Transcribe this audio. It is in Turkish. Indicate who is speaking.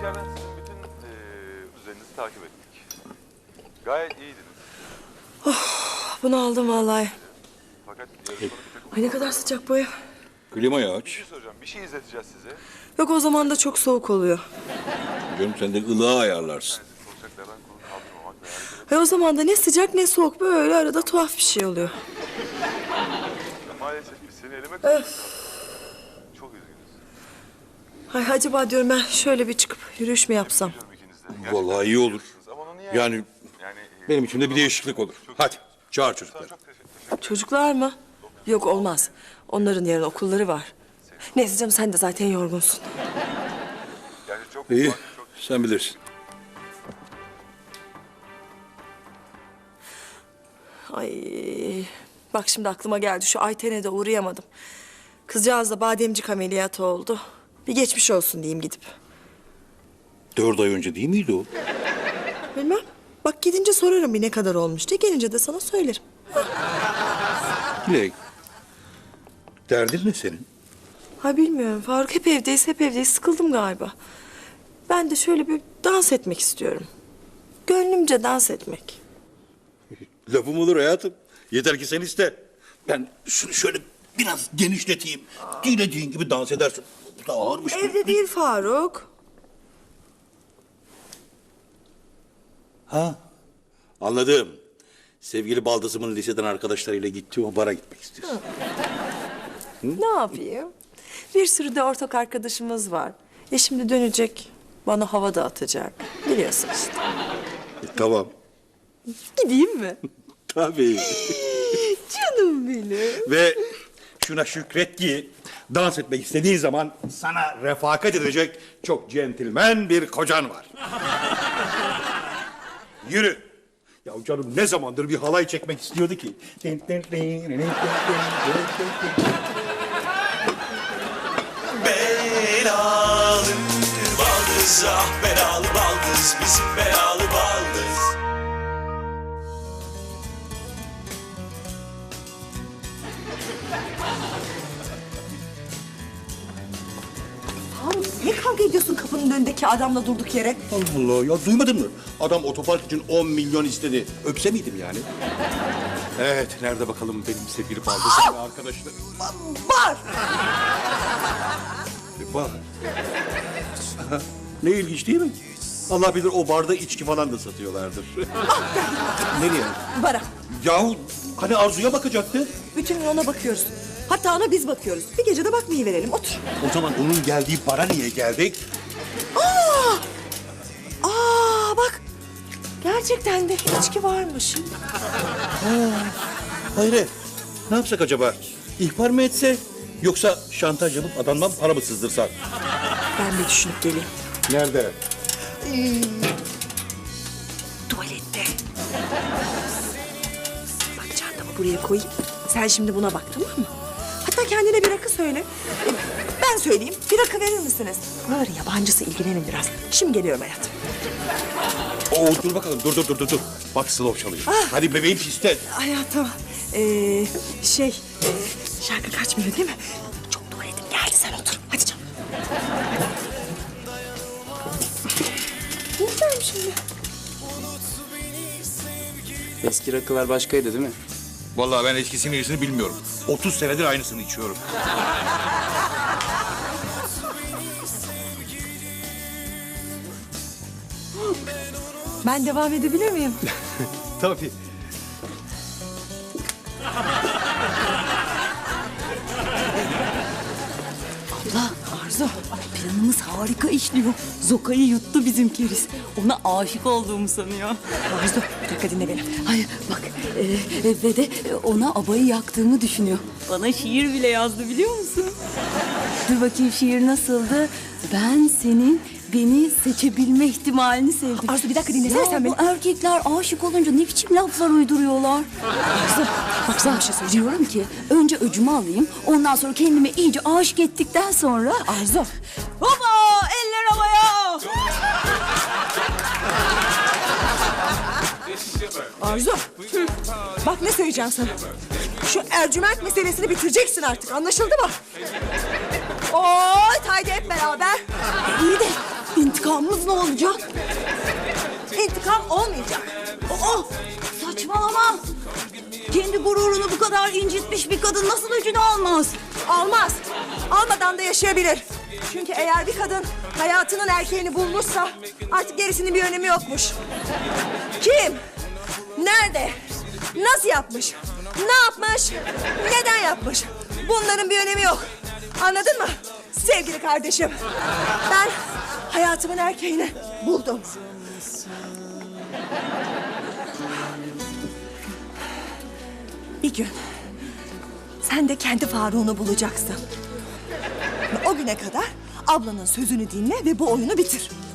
Speaker 1: içeriden sizin bütün düzeninizi takip ettik. Gayet iyiydiniz.
Speaker 2: Bunu aldım vallahi.
Speaker 1: Fakat yarın sonu bir takım...
Speaker 2: Ay ne kadar sıcak bu ev.
Speaker 3: Klimayı
Speaker 1: Bir
Speaker 3: aç.
Speaker 1: şey soracağım. Bir şey izleteceğiz size.
Speaker 2: Yok o zaman da çok soğuk oluyor.
Speaker 3: Canım sen de ılığa ayarlarsın.
Speaker 1: Soracaklardan konu kaldırmamak ve hareket
Speaker 2: Ve o zaman da ne sıcak ne soğuk böyle arada tuhaf bir şey oluyor.
Speaker 1: Maalesef biz seni eleme kaldık. Çok üzgünüz.
Speaker 2: Ay acaba diyorum ben şöyle bir çıkıp yürüyüş mü yapsam?
Speaker 1: Biliyorum ikiniz de. Gerçekten
Speaker 3: Vallahi iyi olur.
Speaker 1: Ama onu niye...
Speaker 3: Yani benim için de bir değişiklik olur. Hadi çağır çocukları.
Speaker 1: Çok teşekkür.
Speaker 2: Çocuklar mı? Yok olmaz. Onların yarın okulları var. Neyse canım sen de zaten yorgunsun.
Speaker 1: Yani çok...
Speaker 3: İyi
Speaker 1: çok...
Speaker 3: sen bilirsin.
Speaker 2: Ay bak şimdi aklıma geldi şu Ayten'e de uğrayamadım. Kızcağız da bademcik ameliyatı oldu. Bir geçmiş olsun diyeyim gidip.
Speaker 3: 4 ay önce değil miydi o?
Speaker 2: Bilmem. Bak gidince sorarım bir ne kadar olmuş diye. Gelince de sana söylerim.
Speaker 3: Dilek. Derdin ne senin?
Speaker 2: Ha bilmiyorum Faruk hep evdeyiz sıkıldım galiba. Ben de şöyle bir dans etmek istiyorum. Gönlümce dans etmek.
Speaker 3: Lafım olur hayatım. Yeter ki sen iste. Ben şunu şöyle biraz genişleteyim. Dilediğin gibi dans edersin. Bu da ağırmış.
Speaker 2: Evde değil Faruk.
Speaker 3: Ha, anladım. Sevgili baldızımın liseden arkadaşlarıyla gittiği o bara gitmek istiyorsun.
Speaker 2: Ne yapayım? Bir sürü de ortak arkadaşımız var. Şimdi dönecek bana hava dağıtacak. Biliyorsun işte.
Speaker 3: Tamam.
Speaker 2: Gideyim mi?
Speaker 3: Tabii.
Speaker 2: Canım benim.
Speaker 3: Ve şuna şükret ki dans etmek istediğin zaman sana refakat edecek çok centilmen bir kocan var. Yürü. Ya canım ne zamandır bir halay çekmek istiyordu ki.
Speaker 4: Belalı baldız, ah belalı baldız, bizim belalı baldız.
Speaker 2: Faruk ne kavga ediyorsun kapının önündeki adamla durduk yere?
Speaker 3: Allah Allah ya duymadın mı? Adam otopark için 10 milyon istedi. Öpse miydim yani? Evet, nerede bakalım benim sevgili baldızım ve arkadaşlarım?
Speaker 2: Var.
Speaker 3: Var. Ne ilginç değil mi? Allah bilir o barda içki falan da satıyorlardır. Nereye?
Speaker 2: Bara.
Speaker 3: Yahu hani Arzu'ya bakacaktı?
Speaker 2: Bütün gün ona bakıyoruz. Hatta ona biz bakıyoruz. Bir gece de bakmayı verelim. Otur.
Speaker 3: O zaman onun geldiği bara niye geldik?
Speaker 2: Aa bak. Gerçekten de içki varmış.
Speaker 3: Hayır. Ne yapsak acaba? İhbar mı etse? Yoksa şantaj yapıp adamdan para mı sızdırsak?
Speaker 2: Ben bir düşünüp geleyim.
Speaker 3: Nerede?
Speaker 2: Tuvalette. Bak çantamı buraya koyayım. Sen şimdi buna bak tamam mı? Hatta kendine bir rakı söyle. Ben söyleyeyim. Bir rakı verir misiniz? Buraların yabancısı ilgilenin biraz. Şimdi geliyorum hayatım.
Speaker 3: Oo, dur bakalım. Dur. Bak slow çalıyor. Hadi bebeğim piste.
Speaker 2: Hayatım. Şarkı kaçmıyor değil mi? Çok tuvaletim geldi sen otur. Hadi canım. Ne yapayım şimdi?
Speaker 5: Eski rakılar başkaydı değil mi?
Speaker 3: Vallahi ben eskisini iyisini bilmiyorum. 30 senedir aynısını içiyorum.
Speaker 2: Ben devam edebilir miyim?
Speaker 3: Tabii.
Speaker 6: Abla, Arzu, planımız harika işliyor. Zoka'yı yuttu bizim keriz. Ona aşık olduğumu sanıyor.
Speaker 2: Arzu bir dakika dinle beni.
Speaker 6: Hayır, bak ve de ona abayı yaktığımı düşünüyor. Bana şiir bile yazdı biliyor musun? Dur bakayım şiir nasıldı? Ben senin beni seçebilme ihtimalini sevdim.
Speaker 2: Arzu bir dakika dinlesene
Speaker 6: Ya
Speaker 2: sen beni.
Speaker 6: bu erkekler aşık olunca ne biçim laflar uyduruyorlar?
Speaker 2: Arzu bak sana bir şey söyleyeceğim.
Speaker 6: Diyorum ki önce öcümü alayım, ondan sonra kendimi iyice aşık ettikten sonra...
Speaker 2: Arzu.
Speaker 6: Baba, eller havaya!
Speaker 2: Arzu. Bak ne söyleyeceğim sana. Şu Ercüment meselesini bitireceksin artık anlaşıldı mı? Oy haydi hep beraber.
Speaker 6: İyi de İntikamımız ne olacak?
Speaker 2: İntikam olmayacak.
Speaker 6: Aa, saçmalama. Kendi gururunu bu kadar incitmiş bir kadın nasıl öcünü almaz?
Speaker 2: Almaz. Almadan da yaşayabilir. Çünkü eğer bir kadın hayatının erkeğini bulmuşsa artık gerisinin bir önemi yokmuş. Kim? Nerede? Nasıl yapmış? Ne yapmış? Neden yapmış? Bunların bir önemi yok. Anladın mı? Sevgili kardeşim. Ben hayatımın erkeğini buldum. Bir gün sen de kendi Faruk'unu bulacaksın. Ve o güne kadar ablanın sözünü dinle ve bu oyunu bitir.